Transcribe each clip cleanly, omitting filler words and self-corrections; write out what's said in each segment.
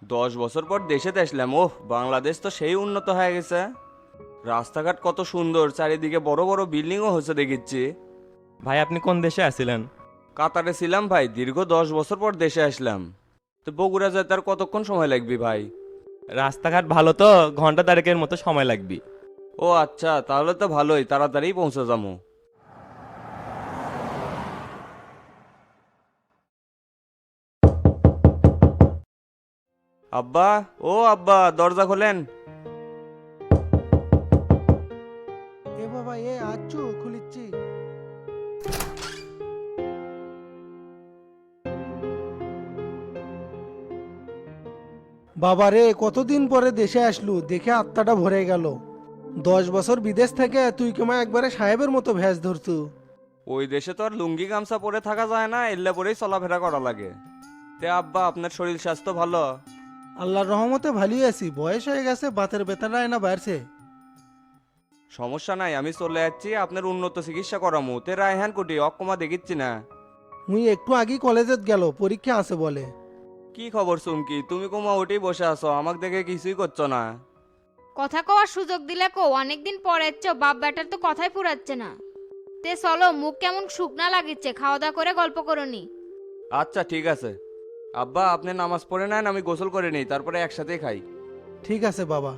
10 বছর পর দেশেতে আসলাম। ওহ, বাংলাদেশ তো সেই উন্নত হয়ে গেছে। রাস্তাঘাট কত সুন্দর, চারিদিকে বড় বড় বিল্ডিংও হচ্ছে দেখিচ্ছি। ভাই আপনি কোন দেশে আছিলেন? কাতারে ছিলাম ভাই, দীর্ঘ 10 বছর পর দেশে আসলাম। তো বগুড়া যেতে আর কতক্ষণ সময় লাগবে ভাই? রাস্তাঘাট ভালো তো, ঘন্টা দেড়েকের মতো সময় লাগবে। ও আচ্ছা, তাহলে তো ভালোই, তাড়াতাড়ি পৌঁছে যাবো। আব্বা, ও আব্বা, দরজা খোলেন। এ বাবা, এ আচ্ছু খুলিচ্ছি। বাবা রে, কতদিন পরে দেশে আসলু, দেখে আত্মাটা ভরে গেল। 10 বছর বিদেশ থেকে তুই কেমন একবারে সাহেবের মতো ভ্যাস ধরছু। ওই দেশে তো আর লুঙ্গি গামছা পরে থাকা যায় না, এল্লা পরেই চলাফেরা করা লাগে। তে আব্বা, আপনার শরীর স্বাস্থ্য ভালো? আল্লাহর রহমতে ভালোই আছি, বয়স হয়ে গেছে, বাতের বেতাটা না বাড়ছে। সমস্যা নাই, আমি চলে যাচ্ছি, আপনার উন্নত চিকিৎসা করামু। তে রায়হান কুটি অক্ষমা দেখিচ্ছি না। মুই একটু আগেই কলেজের গেল, পরীক্ষা আছে বলে। কি খবর চুমকি, তুমি কোমা ওঠেই বসে আছো, আমাকে দেখে কিছুই করছো না। কথা কওয়ার সুযোগ দিলে কো, অনেকদিন পরে এসছো, বাপ ব্যাটার তো কথাই ফুরাচ্ছে না। তে চলো, মুখ কেমন শুকনা লাগিচ্ছে, খাওয়া দাওয়া করে গল্প করনি। আচ্ছা ঠিক আছে। আব্বা, আপনি নামাজ পড়ে নেন, আমি গোসল করে নিই, তারপরে একসাথেই খাই। ঠিক আছে বাবা।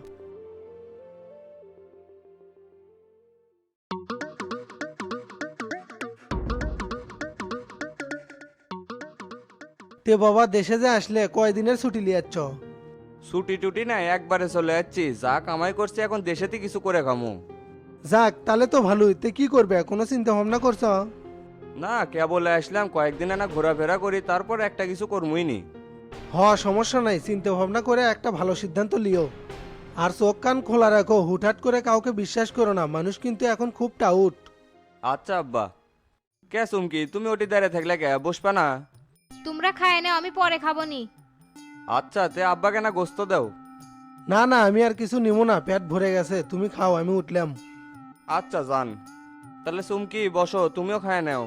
তে বাবা, দেশে যে আসলে কয়দিনের ছুটি লিয়াচ্ছ? ছুটি টুটি নাই, একবারে চলে যাচ্ছি, যা কামাই করছি এখন দেশেতে কিছু করে খামু। যাক, তাহলে তো ভালোই। তে কি করবে, কোনো চিন্তা ভাবনা করছ? না, কেবল আসলাম, কয়েকদিন না ঘোরাফেরা করি, তারপর একটা কিছু করমুই নি। সমস্যা নাই, চিন্তা ভাবনা করে একটা ভালো সিদ্ধান্ত লিও। আর চোখ কান খোলা রাখো, হুটহাট করে কাউকে বিশ্বাস করো না, মানুষ কিন্তু এখন খুব টাউট। আচ্ছা আব্বা। কে চুমকি, তুমি ওটি দাঁড়িয়ে থাকলে কে, বসবা না? তোমরা খায় নাও, আমি পরে খাবো নি। আচ্ছা, তে আব্বাকে না গোস্ত দাও। না না, আমি আর কিছু নিব না, পেট ভরে গেছে, তুমি খাও, আমি উঠলাম। আচ্ছা যান। তাহলে চুমকি বসো, তুমিও খায় নাও।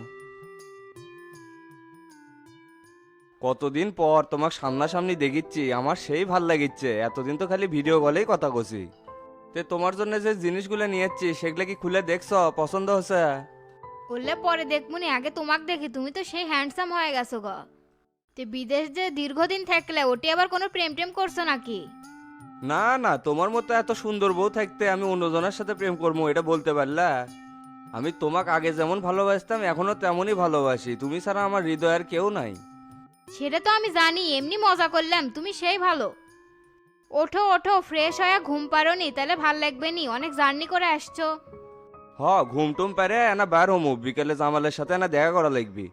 কতদিন পর তোমাকে সামনাসামনি দেখিচ্ছি, আমার সেই ভাল লাগিচ্ছে। এতদিন তো খালি ভিডিও কলেই কথা কছি। তে তোমার জন্য যে জিনিসগুলো নিয়েছি সেগুলো কি খুলে দেখছো, পছন্দ হচ্ছে? বললে পরে দেখবুনি, আগে তোমাক দেখি, তুমি তো সেই হ্যান্ডসাম হয়ে গেছো গো। তে বিদেশ যে দীর্ঘদিন থাকলে, ওটি আবার কোনো প্রেম টেম করছো নাকি? না না, তোমার মতো এত সুন্দর বউ থাকতে আমি অন্যজনের সাথে প্রেম করবো, এটা বলতে পারলা? আমি তোমাকে আগে যেমন ভালোবাসতাম এখনো তেমনই ভালোবাসি, তুমি ছাড়া আমার হৃদয়ের কেউ নাই। সেটা তো আমি জানি, এমনি মজা করলাম, তুমি সেই ভালো। ওঠো ওঠো, ফ্রেশ হয়ে ঘুম পারোনি, তাহলে ভাল লাগবে নি, অনেক জার্নি করে আসছো। হ, ঘুম টুম পারে না বার হমু, বিকেলে জামালের সাথে না দেখা করা লাগবি।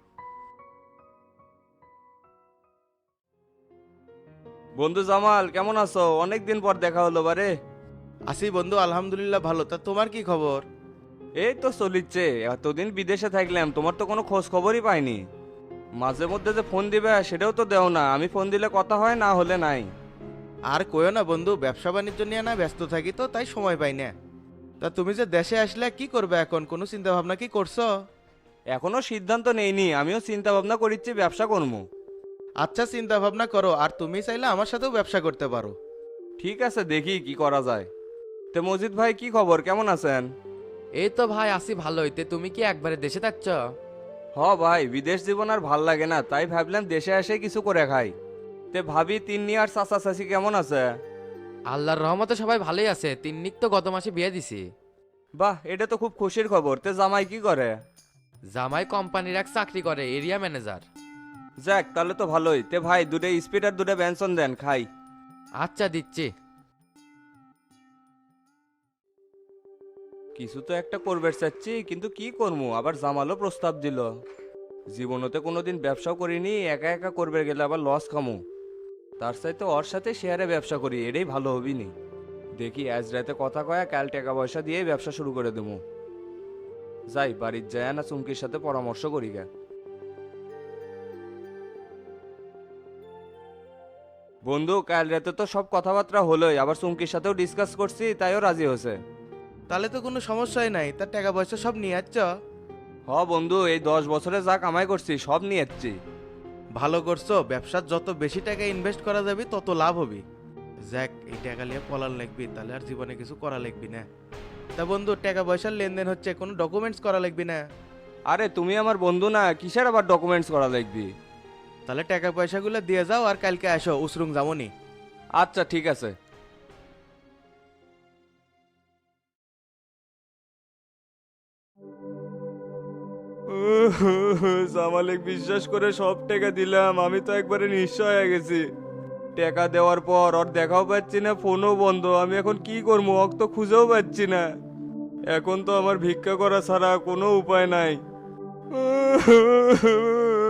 বন্ধু জামাল, কেমন আছো? অনেকদিন পর দেখা হলো বারে। আছি বন্ধু, আলহামদুলিল্লাহ ভালো। তা তোমার কি খবর? এই তো চলিচ্ছে, এতদিন বিদেশে থাকলাম, তোমার তো কোনো খোঁজ খবরই পাইনি। মাঝে মধ্যে যে ফোন দিবে সেটাও তো দেও না, আমি ফোন দিলে কথা হয়, না হলে নাই। আর কইও না বন্ধু, ব্যবসা বাণিজ্য নিয়ে না ব্যস্ত থাকি তো, তাই সময় পাই না। তা তুমি যে দেশে আসলে কি করবে এখন, কোনো চিন্তা ভাবনা কি করছো? এখনো সিদ্ধান্ত নেইনি, আমিও চিন্তা ভাবনা করিচ্ছি ব্যবসা করবো। আচ্ছা, চিন্তা ভাবনা করো, আর তুমি চাইলে আমার সাথেও ব্যবসা করতে পারো। ঠিক আছে, দেখি কি করা যায়। তে মজিদ ভাই, কি খবর, কেমন আছেন? এই তো ভাই আছি ভালোই। তে তুমি কি একবারে দেশে থাকছ? হ ভাই, বিদেশ জীবন আর ভাল লাগে না, তাই ভাবলাম দেশে এসে কিছু করে খাই। তে ভাবি তিন্নি আর চাচা চাচি কেমন আছে? আল্লাহর রহমতে সবাই ভালোই আছে। তিন্নিক তো গত মাসে বিয়ে দিছি। বাহ, এটা তো খুব খুশির খবর। তে জামাই কি করে? জামাই কোম্পানির এক চাকরি করে, এরিয়া ম্যানেজার। যাক, তাহলে তো ভালোই। তে ভাই, দুটো স্পিড আর দুটো ব্যঞ্জন দেন, খাই। আচ্ছা দিচ্ছি। কিছু তো একটা করবে চাচ্ছি, কিন্তু কি করবো, আবার জামালও প্রস্তাব দিল। জীবনতে কোনোদিন ব্যবসাও করিনি, একা একা করবে গেলে আবার লস খামু। তার চাইতে ওর সাথে শেয়ারে ব্যবসা করি, এটাই ভালো হবি নি। দেখি আজ রাতে কথা কয়া কাল টাকা পয়সা দিয়ে ব্যবসা শুরু করে দেবো। যাই, বাড়ির যায় না চুমকির সাথে পরামর্শ করি গা। বন্ধু, কাল রাতে তো সব কথাবার্তা হলোই, আবার চুমকির সাথেও ডিসকাস করছি, তাইও রাজি হয়েছে। তাহলে তো কোনো সমস্যাই নাই। তার টাকা পয়সা সব নিয়ে আসছ? হ বন্ধু, এই 10 বছরে যা কামাই করছি সব নিয়ে যাচ্ছি। ভালো করছো, ব্যবসার যত বেশি টাকা ইনভেস্ট করা যাবে তত লাভ হবে। যাক, এই টাকা নিয়ে পলার লাগবি, তাহলে আর জীবনে কিছু করা লাগবি না। তা বন্ধু, টাকা পয়সার লেনদেন হচ্ছে, কোনো ডকুমেন্টস করা লাগবি না? আরে তুমি আমার বন্ধু না, কিসের আবার ডকুমেন্টস করা লাগবে? তাহলে টাকা পয়সাগুলো দিয়ে যাও আর কালকে আসো, উসরুং যামনি। আচ্ছা ঠিক আছে। জামালেক বিশ্বাস করে সব টাকা দিলাম, আমি তো একবারে নিঃস্ব হয়ে গেছি। টাকা দেওয়ার পর ওর দেখাও পাচ্ছি না, ফোনও বন্ধ। আমি এখন কি করবো, ওকে তো খুঁজেও পাচ্ছি না। এখন তো আমার ভিক্ষা করা ছাড়া কোনো উপায় নাই।